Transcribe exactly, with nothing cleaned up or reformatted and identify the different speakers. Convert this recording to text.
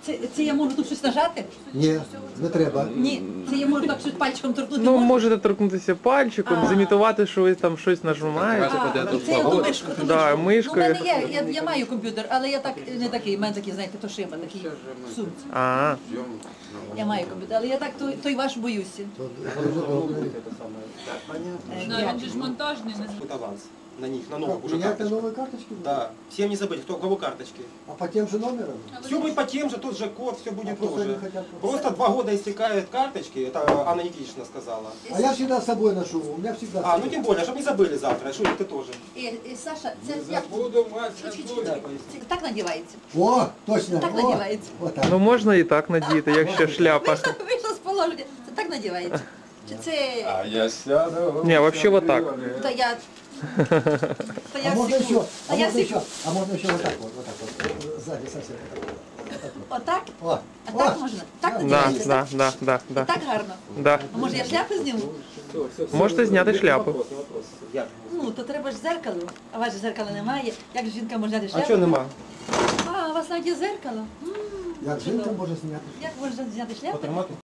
Speaker 1: Це, це я можу тут щось нажати?
Speaker 2: Ні, не треба.
Speaker 1: Ні, це я можу так щось пальчиком торкнути.
Speaker 3: Ну,
Speaker 1: можу?
Speaker 3: можете торкнутися пальчиком,
Speaker 1: А.
Speaker 3: зімітувати, що ви там щось нажимаєте.
Speaker 1: А, це я ту мишку, ту
Speaker 3: Да,
Speaker 1: мишку.
Speaker 3: мишкою.
Speaker 1: Ну, в мене є, я, я маю комп'ютер, але я так не такий, в мене такий, знаєте, то шиба, такий в сумці.
Speaker 3: А,
Speaker 1: Я маю комп'ютер, але я так той, той ваш боюся. Е,
Speaker 4: Да, він же ж монтажний, не
Speaker 5: Будет аванс на них, на новых уже
Speaker 2: Менять на
Speaker 5: карточках.
Speaker 2: новые карточки? будут?
Speaker 5: Да, всем не забыть, кто у кого карточки.
Speaker 2: А по тем же номерам?
Speaker 5: Все будет по тем же, тот же код, все будет
Speaker 2: А просто
Speaker 5: тоже.
Speaker 2: они хотят просто-
Speaker 5: Просто два года истекают карточки, это Анна Никитична сказала.
Speaker 2: А я всегда с собой ношу, у меня всегда с
Speaker 5: А, ну
Speaker 2: собой.
Speaker 5: тем более, чтобы не забыли завтра, что ты тоже.
Speaker 1: І, і Саша, це як? Чуть-чуть, чуть-чуть. Це так надівається.
Speaker 2: О, точно.
Speaker 1: Так
Speaker 2: о,
Speaker 1: надевается.
Speaker 2: Вот так.
Speaker 3: ну можна і так надіти, якщо шляпа.
Speaker 1: Вийшло, вийшло з положення. Це так надівається. Чи це...
Speaker 6: А я сяду.
Speaker 3: Ні, вообще вот так.
Speaker 1: Та я... Та
Speaker 2: А
Speaker 1: я
Speaker 2: можно
Speaker 1: секу.
Speaker 2: еще,
Speaker 1: Та
Speaker 2: а
Speaker 1: я
Speaker 2: можно еще,
Speaker 1: секу.
Speaker 2: а можно еще вот так вот, вот так вот, сзади совсем вот так вот.
Speaker 1: Отак?
Speaker 2: О,
Speaker 1: А
Speaker 2: о.
Speaker 1: так можна? Так
Speaker 3: Да,
Speaker 1: надівається?
Speaker 3: да,
Speaker 1: так?
Speaker 3: да, да, да.
Speaker 1: Так гарно.
Speaker 3: Да.
Speaker 1: А може я шляпи зніму?
Speaker 3: Можете зняти шляпу.
Speaker 5: Я.
Speaker 1: Ну, то треба ж зеркало. А у вас же зеркала немає. Як ж жінка може зняти
Speaker 5: А
Speaker 1: шляпу?
Speaker 5: что нема?
Speaker 1: А, у вас навіть є зеркало. М,
Speaker 2: Як жінка може зняти?
Speaker 1: Як можна зняти шляпу?
Speaker 5: Потримати?